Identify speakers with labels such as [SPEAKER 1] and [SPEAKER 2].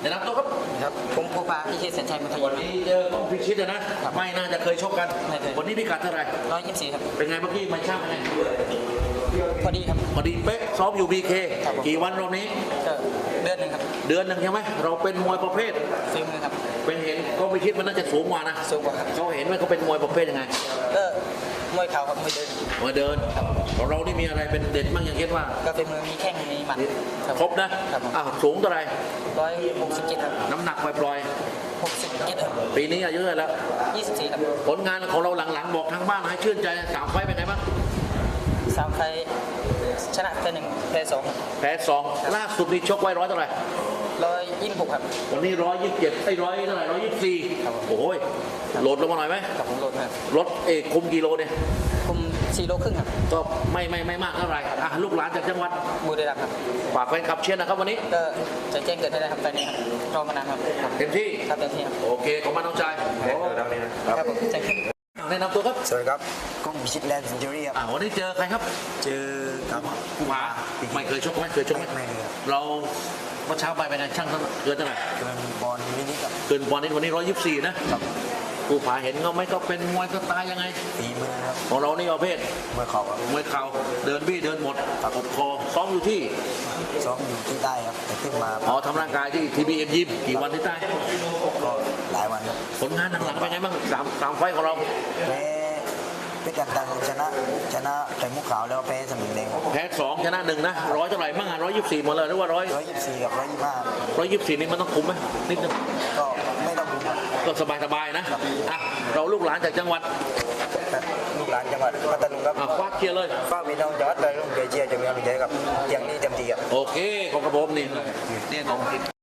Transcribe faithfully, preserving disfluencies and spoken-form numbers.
[SPEAKER 1] ในนำตัวครับ
[SPEAKER 2] ครับผมภูผาพิชิตแสนชัยมัธย
[SPEAKER 1] วั
[SPEAKER 2] ม
[SPEAKER 1] นนี้เจอต้องพิชิตนะไม่น่าจะเคยชกกันวันนี้พิกัดเท่าไหร่
[SPEAKER 2] ร้อยยี่สิบสี่ครับ
[SPEAKER 1] เป็นไงเมื่อกี้มาช่างไง
[SPEAKER 2] พอดีครับ
[SPEAKER 1] พอดีเป๊ะซ้อมอยู่บีเคกี่วันรอบนี้
[SPEAKER 2] ก็เดือนหนึ่งครับ
[SPEAKER 1] เดือนหนึ่งใช่ไหมเราเป็นมวยประเภท
[SPEAKER 2] ฟิล์มครับ
[SPEAKER 1] เป็นเห็นก็พิชิตมันน่าจะสูงกว่านะ
[SPEAKER 2] สูงกว่าครับ
[SPEAKER 1] เขาเห็นว่าเขาเป็นมวยประเภทยังไง
[SPEAKER 2] ก็มวยเข่าครับมวยเดิน
[SPEAKER 1] มวยเดินของเรานี่มีอะไรเป็นเด่นบ้างอย่างเช่นว่า
[SPEAKER 2] ก็เป็นมือมีแข้งมีหมัด
[SPEAKER 1] ครบนะอ้าวสูงเท่าไหร่
[SPEAKER 2] ร้อยหกสิบเจ็ดครับ
[SPEAKER 1] น้ำหนักปล่อย
[SPEAKER 2] ๆหกสิบเจ็ดครับ
[SPEAKER 1] ปีนี้อายุเท่าไหร่แล้ว
[SPEAKER 2] ยี่สิบสี่ครับ
[SPEAKER 1] ผลงานของเราหลังๆบอกทางบ้านให้ชื่นใจสามไฟเป็นไงบ้าง
[SPEAKER 2] สามไฟชนะแพ้หนึ่งแพ้สอง
[SPEAKER 1] แพ้สองล่าสุดนี่ชกไว้ร้อยเท่าไหร่
[SPEAKER 2] ร้อยยี่สิบหกครับ
[SPEAKER 1] วันนี้ร้อยยี่สิบเจ็ดไอ้ร้อยเท่าไหร่ร้อยยี่สิบสี่โอ้ยโหลดลงมาหน่อยไหม
[SPEAKER 2] กับผมโหลดครับ
[SPEAKER 1] รถเอกคุมกิโลเนี่ย
[SPEAKER 2] คุมสี่โลครึ่งครับ
[SPEAKER 1] ก็ไม่ไม่ไม่มากเท่าไหร่อ่ะลูกหลานจากจังหวัด
[SPEAKER 2] บุรีรัมย์ครับ
[SPEAKER 1] ฝากแฟนคลับเชียร์นะครับวันนี้
[SPEAKER 2] ก็จะแจ้งเกิดให้ได้ครับตอนนี้ครับรอมานานครับ
[SPEAKER 1] เต็มที่
[SPEAKER 2] ครับเต็มที่ครับ
[SPEAKER 1] โอเคขอบคุณน้องชาย
[SPEAKER 2] ครับผมแจ้ง
[SPEAKER 1] แนะนำตัวครับ
[SPEAKER 3] สวัสดีครับก้องพิชิตแลนด์ซินจูรี่ครับ
[SPEAKER 1] อ่าวันนี้เจอใครครับ
[SPEAKER 3] เจอกับ
[SPEAKER 1] ภูผาไม่เคยชกไหมเคยชกไหม
[SPEAKER 3] ไม่เลย
[SPEAKER 1] เราเมื่อเช้าไปเป็นไงช่างเกินเท่าไหร่
[SPEAKER 3] เกินบอลมินิกับ
[SPEAKER 1] เกินบอลนี้วันนี้ร้อยยี่สิบสี่นะภูผาเห็นเขาไหมก็เป็นมวยสไตล์ยังไง
[SPEAKER 3] ฝีมือครับ
[SPEAKER 1] ของเรานี่ประเภท
[SPEAKER 3] มวยเข่าครับ
[SPEAKER 1] มวยเข่าเดินบี้เดินหมดปกคอซ้อมอยู่ที่
[SPEAKER 3] ซ้อมอยู่ที่ใต้ครับแต่ขึ้นมา
[SPEAKER 1] อ๋อทำร่างกายที่ทีบีเอ็มยิมกี่วันที่ใต้
[SPEAKER 3] ก็หลายวันครับ
[SPEAKER 1] ผลงานหลังๆเป็นไงบ้างสามสามไฟของเรา
[SPEAKER 3] แพ้เพชรกันตังชนะชนะไข่มุกขาวแล้วแพ้สมิงแดง
[SPEAKER 1] แพ้สองชนะหนึ่งนะร้อยเท่าไหร่บ้างอ่ะร้อยยี่สิบสี่หมดเลยหรือว่าร้อย
[SPEAKER 3] ร้อยยี่สิบสี่กับร้อยยี่สิบห้า
[SPEAKER 1] ร้อยยี่สิบสี่นี่มันต้องคุมไหมนิดนึง
[SPEAKER 3] ก็ไม่ต้องคุมครับ
[SPEAKER 1] ก็สบายสบายนะอ่ะเราลูกหลานจากจังหวัด
[SPEAKER 3] ลูกหลานจังหวัดพัทลุงครับ
[SPEAKER 1] คว้าเคียร์เลย
[SPEAKER 3] ฟ้ามีน้องจังหวัดเลยลุงเกเชียร์จะมีอะไรกับอย่างนี้เต็มที่ครับ
[SPEAKER 1] โอเคของกระผมนี่เนี่ยของ